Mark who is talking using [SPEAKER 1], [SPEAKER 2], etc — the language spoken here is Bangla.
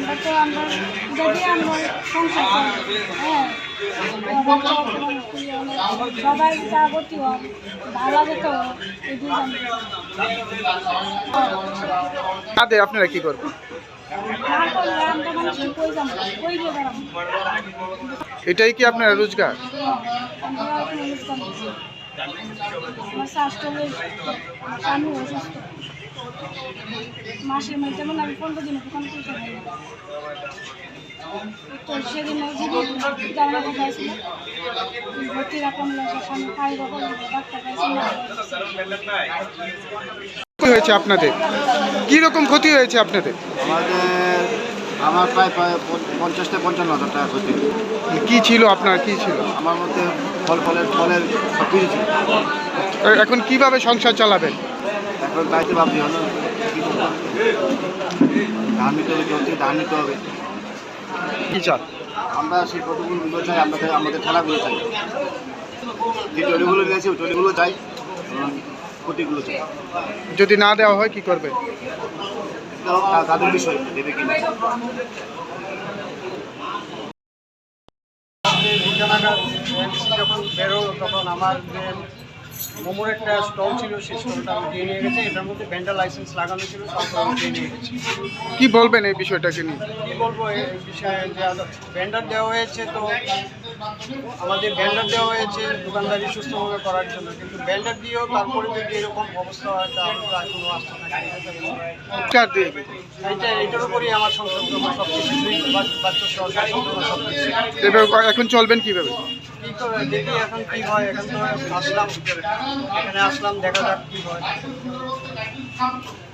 [SPEAKER 1] আমরা যদি আমরা সংসার করি, হ্যাঁ সবাই যা গতি হয় ভালো যেত এই দুজন
[SPEAKER 2] আপনারা কি করবেন?
[SPEAKER 1] না করলে আমরা মানুষকে কই যাবো, কই দিয়ে বেড়াবো।
[SPEAKER 2] এটাই কি আপনার রোজগার?
[SPEAKER 1] আমরা এখন অনুষ্ঠান করছি। আমার স্বাস্থ্য বেশ, আমার স্বামী অসুস্থ, মাসের মধ্যে যেমন আমি 15 দিন দোকান করতে পারি না। তো সেদিন জানা কথা ছিল ভর্তি রাখলাম, স্বামী খাই রকম ডাক্তার পাইছি না।
[SPEAKER 2] কি হয়েছে আপনাদের? কি রকম ক্ষতি হয়েছে আপনাদের?
[SPEAKER 3] আমার প্রায় 50-55,000 টাকা ক্ষতি।
[SPEAKER 2] কি ছিল আপনার, কি ছিল?
[SPEAKER 3] আমার মধ্যে ফলের সব কিছু ছিল।
[SPEAKER 2] এখন কিভাবে সংসার চালাবেন?
[SPEAKER 3] এখন বাড়িতে ভাবছি হলো ধান নিতে হবে, কেউ থেকে ধান নিতে হবে।
[SPEAKER 2] কি চাল?
[SPEAKER 3] আমরা সেই কতগুলো চাই, আমাদের খেলাগুলো চাই, যে টলিগুলো নিয়েছি ওই টলিগুলো চাই, ক্ষতিগুলো চাই।
[SPEAKER 2] যদি না দেওয়া হয় কি করবে?
[SPEAKER 3] তাদের বিষয় দেবে কিনা। যখন বেরো তখন আমার যে মোমোর একটা স্টল ছিল সেই স্টলটা আমি দিয়ে নিয়ে গেছি। এটার মধ্যে ভেন্ডার লাইসেন্স লাগানো ছিল, সব আমি দিয়ে নিয়ে গেছি।
[SPEAKER 2] কি বলবেন এই বিষয়টাকে নিয়ে?
[SPEAKER 3] কী বলবো এই বিষয়ে, যে ভেন্ডার দেওয়া হয়েছে, তো আমাদের ভেন্ডার দেওয়া হয়েছে দোকানদারি সুস্থভাবে করার জন্য, কিন্তু ভেন্ডার দিয়েও তারপরে যদি এরকম অবস্থা হয় তাহলে তো আর কোনো আস্থা থাকে। এইটার উপরই আমার সংসার সব কিছু, বাচ্চা সহ সব কিছু।
[SPEAKER 2] এখন চলবেন কিভাবে?
[SPEAKER 3] কী করে দেখি এখন কী হয়। এখন তো আসলাম, এখানে আসলাম, দেখা যাক কী হয়।